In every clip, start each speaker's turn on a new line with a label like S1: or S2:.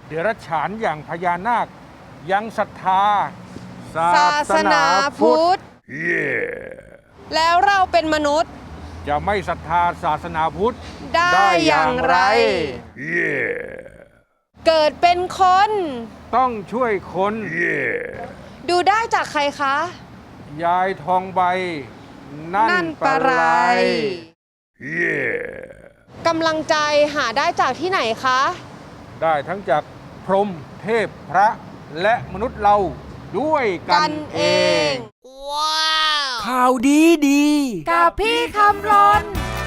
S1: เดรัจฉานอย่างพญานาคยังศรัทธาศา
S2: ศาสนาพุทธ แล้วเราเป็นมนุษย์
S1: จะไม่ศรัทธาศาสนาพุทธ
S2: ได้อย่างไร เกิดเป็นคน
S1: ต้องช่วยคน
S2: ดูได้จากใครคะ
S1: ยายทองใบ นั่นปะไร
S2: กำลังใจหาได้จากที่ไหนคะ
S1: ได้ทั้งจากพรหมเทพพระและมนุษย์เราด้วยกันเอง
S3: ข่าวดีดี
S2: กับพี่คำรน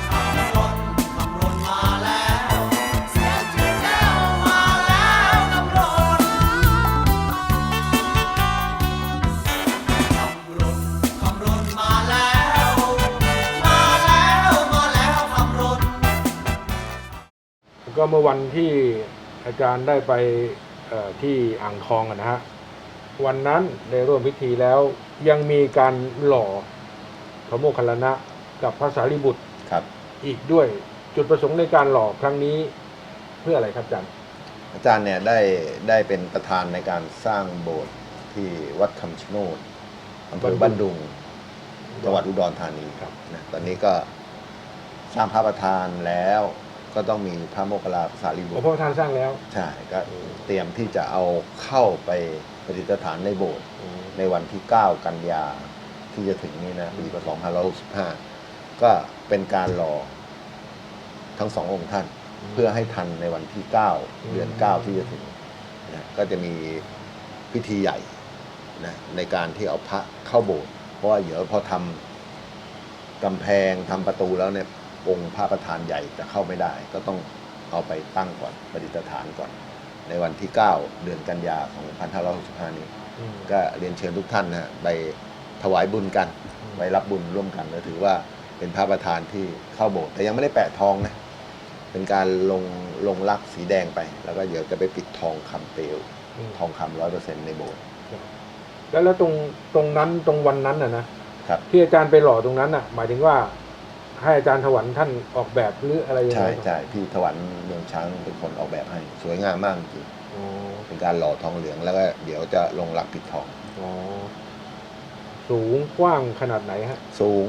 S1: ก็เมื่อวันที่อาจารย์ได้ไปที่อ่างทองนะฮะวันนั้นได้ร่วมพิธีแล้วยังมีการหล่อพระโมคคัลลานะกับพระสารีบุตร
S4: ครับ
S1: อีกด้วยจุดประสงค์ในการหล่อครั้งนี้เพื่ออะไรครับอาจารย์
S4: อาจารย์เนี่ยได้เป็นประธานในการสร้างโบสถ์ที่วัดคำชะโนดอำเภอบ้านดุงจังหวัดอุดรธานี
S1: ครับ
S4: นะตอนนี้ก็สร้างพระประธานแล้วก็ต้องมีพระโมคคัลลาภาษาลีบุ
S1: พ
S4: ต
S1: ระ
S4: ร
S1: พุทธทานสร้างแล้ว
S4: ใช่ก็เตรียมที่จะเอาเข้าไปประดิษฐานในโบสถ์ในวันที่ 9 กันยาที่จะถึงนี้นะปีพศ2565ก็เป็นการรอทั้งสององค์ท่าน เพื่อให้ทันในวันที่ 9 เดือน 9 ที่จะถึงนะก็จะมีพิธีใหญ่นะในการที่เอาพระเข้าโบสถ์เพราะว่าเดี๋ยวพอทำกำแพงทำประตูแล้วเนี่ยองค์พระประธานใหญ่จะเข้าไม่ได้ ก็ต้องเอาไปตั้งก่อนประดิษฐานก่อน ในวันที่ 9 เดือนกันยา2565 นี้ก็เรียนเชิญทุกท่านนะไปถวายบุญกันไปรับบุญร่วมกันก็ถือว่าเป็นพระประธานที่เข้าโบสถ์แต่ยังไม่ได้แปะทองนะเป็นการลงลักษณ์สีแดงไป แล้วก็เดี๋ยวจะไปปิดทองคำเปลวทองคำ100%ในโบสถ์
S1: แล้วตรงนั้นตรงวันนั้นนะครับ ที่อาจารย์ไปหล่อตรงนั้นน่ะหมายถึงว่าให้อาจารย์ถวันท่านออกแบบหรืออะไรยังไง
S4: ใช่ใช่พี่ถวันเมืองช้างเป็นคนออกแบบให้สวยงามมากจริง
S1: อ๋อ
S4: เป็นการหล่อทองเหลืองแล้วก็เดี๋ยวจะลงหลักปิดทอง
S1: อ๋อสูงกว้างขนาดไหนฮะ
S4: สูง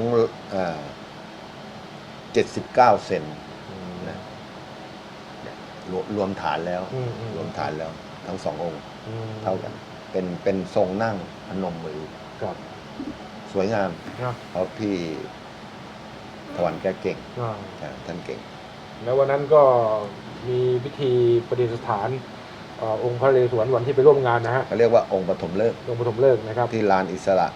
S4: 79 เซนนะรวมฐานแล้วรวมฐานแล้วทั้งสององค์เท่ากันเป็นทรงนั่งพนมมือ
S1: ครับ
S4: สวยงาม
S1: นะ
S4: เพราะพี่ถวันแกเก่ง
S1: อ่า
S4: ท่านเก่ง
S1: แล้ววันนั้นก็มีพิธีประดิษฐานองค์พระนเรศวรวันที่ไปร่วมงานนะฮะ
S4: เขาเรียกว่าองค์ปฐมฤกษ์
S1: องค์ปฐมฤกษ์นะครับ
S4: ที่ลานอิสระ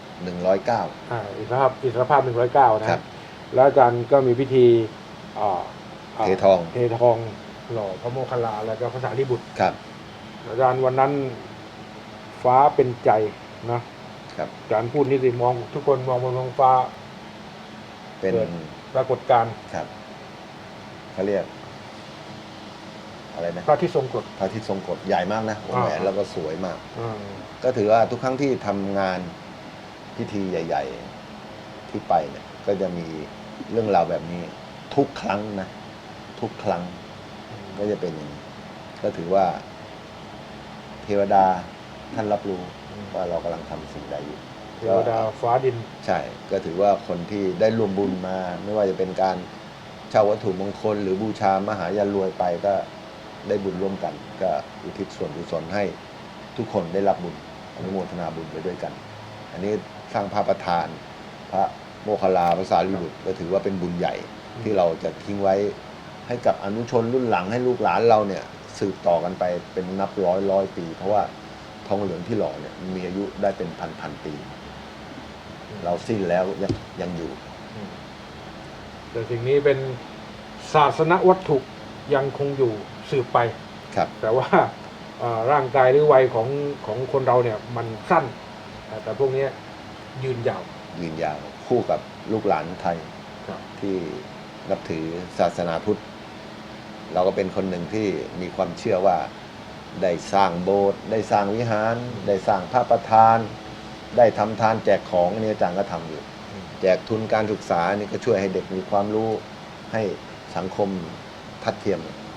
S4: 109
S1: อิสรภาพ109นะ
S4: ค
S1: ค
S4: รั
S1: รับ บแล้วอาจารย์ก็มีพิธีอ่า
S4: เททอง
S1: เททองหล่อพระโมคคัลลาแล้วก็พระสารีบุตร
S4: ครับ
S1: อาจารย์วันนั้นฟ้าเป็นใจนะครับ อาจารย์พูดนี่สิมองทุกคนมองบนท้องฟ้า
S4: เป็น
S1: เกิดปรากฏการณ์
S4: ครับเขาเรียกอะไรนะ
S1: พระอาที่ทรงกฎ
S4: พระอาทิตย์ทรงกฎใหญ่มากนะวงแหวนแล้วก็สวยมาก
S1: อ่า
S4: ก็ถือว่าทุกครั้งที่ทำงานพิธีใหญ่ ๆที่ไปเนี่ยก็จะมีเรื่องราวแบบนี้ทุกครั้งนะทุกครั้งก็จะเป็นอย่างนี้ก็ถือว่าเทวดาท่านรับรู้ว่าเรากำลังทำสิ่งใดอยู่
S1: เทวดาฟ้าดิน
S4: ใช่ก็ถือว่าคนที่ได้รวมบุญมา ไม่ว่าจะเป็นการเช่าวัตถุมงคล หรือบูชามหายันรวยไปก็ได้บุญร่วมกัน ก็อุทิศส่วนกุศลให้ทุกคนได้รับบุญอนุโมทนาบุญไปด้วยกัน อันนี้สร้างพระประธาน พระโมคคัลลาภาษาลีบุตรก็ถือว่าเป็นบุญใหญ่ที่เราจะทิ้งไว้ให้กับอนุชนรุ่นหลังให้ลูกหลานเราเนี่ยสืบต่อกันไปเป็นนับร้อยปี เพราะว่าทองเหลืองที่หล่อเนี่ยมีอายุได้เป็นพันปี เราสิ้นแล้วยังอยู่
S1: แต่สิ่งนี้เป็นศาสนวัตถุยังคงอยู่สืบไป
S4: ครับ
S1: แต่ว่าร่างกายหรือวัยของคนเราเนี่ยมันสั้น แต่พวกนี้ยืนยาว
S4: ยืนยาวคู่กับลูกหลานไทย
S1: ครับ
S4: ที่นับถือศาสนาพุทธ เราก็เป็นคนหนึ่งที่มีความเชื่อว่าได้สร้างโบสถ์ได้สร้างวิหาร ได้สร้างพระประธาน ได้ทำทานแจกของอันนี้อาจารย์ก็ทำอยู่ แจกทุนการศึกษานี่ก็ช่วยให้เด็กมีความรู้ให้สังคมทัดเทียม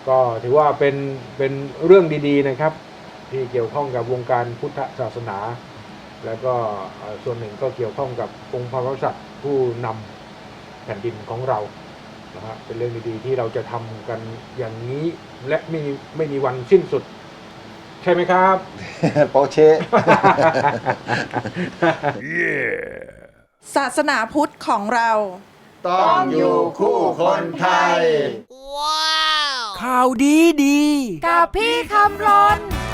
S1: ก็ถือว่าเป็นเรื่องดีๆนะครับ ที่เกี่ยวข้องกับวงการพุทธศาสนา แล้วก็ส่วนหนึ่งก็เกี่ยวข้องกับองค์พระมหากษัตริย์ผู้นำแผ่นดินของเรานะฮะเป็นเรื่องดีๆที่เราจะทำกันอย่างนี้และไม่มีวันสิ้นสุด ใช่ไหมครับ
S4: โปเช่
S5: ศาสนาพุทธของเรา
S4: ต้องอยู่คู่คนไทย
S3: ข่าวดีดี
S2: กับพี่คำรน